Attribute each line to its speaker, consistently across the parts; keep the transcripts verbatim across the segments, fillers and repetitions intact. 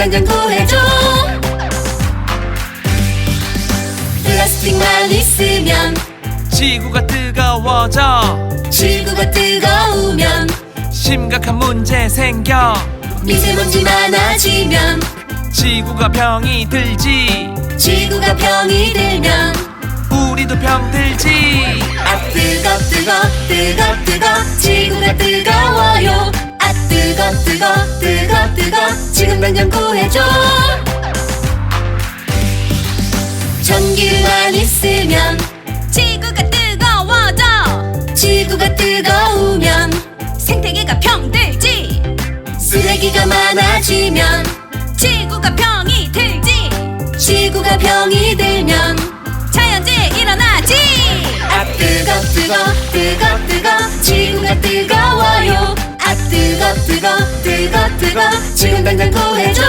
Speaker 1: 당장 구해줘. 플라스틱만 있으면
Speaker 2: 지구가 뜨거워져.
Speaker 1: 지구가 뜨거우면
Speaker 2: 심각한 문제 생겨.
Speaker 1: 미세먼지 많아지면
Speaker 2: 지구가 병이 들지.
Speaker 1: 지구가 병이 들면
Speaker 2: 우리도 병 들지.
Speaker 1: 아 뜨거 뜨거 뜨거 뜨거 지구가 뜨거워요. 아 뜨거 뜨거 뜨거 뜨거 지금 당장 구해줘. 전기만 있으면
Speaker 3: 지구가 뜨거워져.
Speaker 1: 지구가 뜨거우면
Speaker 3: 생태계가 병들지.
Speaker 1: 쓰레기가 많아지면
Speaker 3: 지구가 병이 들지.
Speaker 1: 지구가 병이 들면
Speaker 3: 자연재해 일어나지.
Speaker 1: 아 뜨거 뜨거 뜨거 뜨거 지구가 뜨거워요. 아 뜨거 뜨거 뜨거 뜨거 지금 당장 구해줘.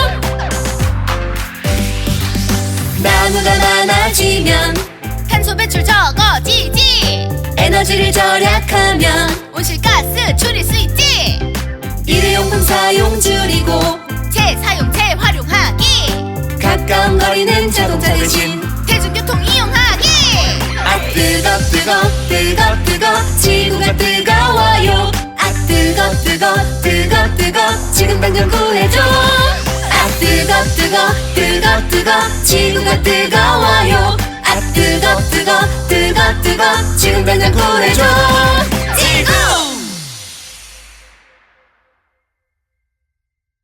Speaker 1: 나무가 많아지면
Speaker 3: 탄소 배출 적어지지.
Speaker 1: 에너지를 절약하면
Speaker 3: 온실가스 줄일 수 있지.
Speaker 1: 일회용품 사용 줄이고
Speaker 3: 재사용 재활용하기.
Speaker 1: 가까운 거리는 자동차 대신
Speaker 3: 대중교통 이용하기.
Speaker 1: 아 뜨거 뜨거 뜨거 뜨거 지구가 뜨거워요. 아 뜨거 뜨거 뜨거 뜨거 지금 당장 구해줘. 아 뜨거 뜨거 뜨거 뜨거 지구가 뜨거워요. 아 뜨거 뜨거 뜨거 뜨거 지금 당장 구해줘.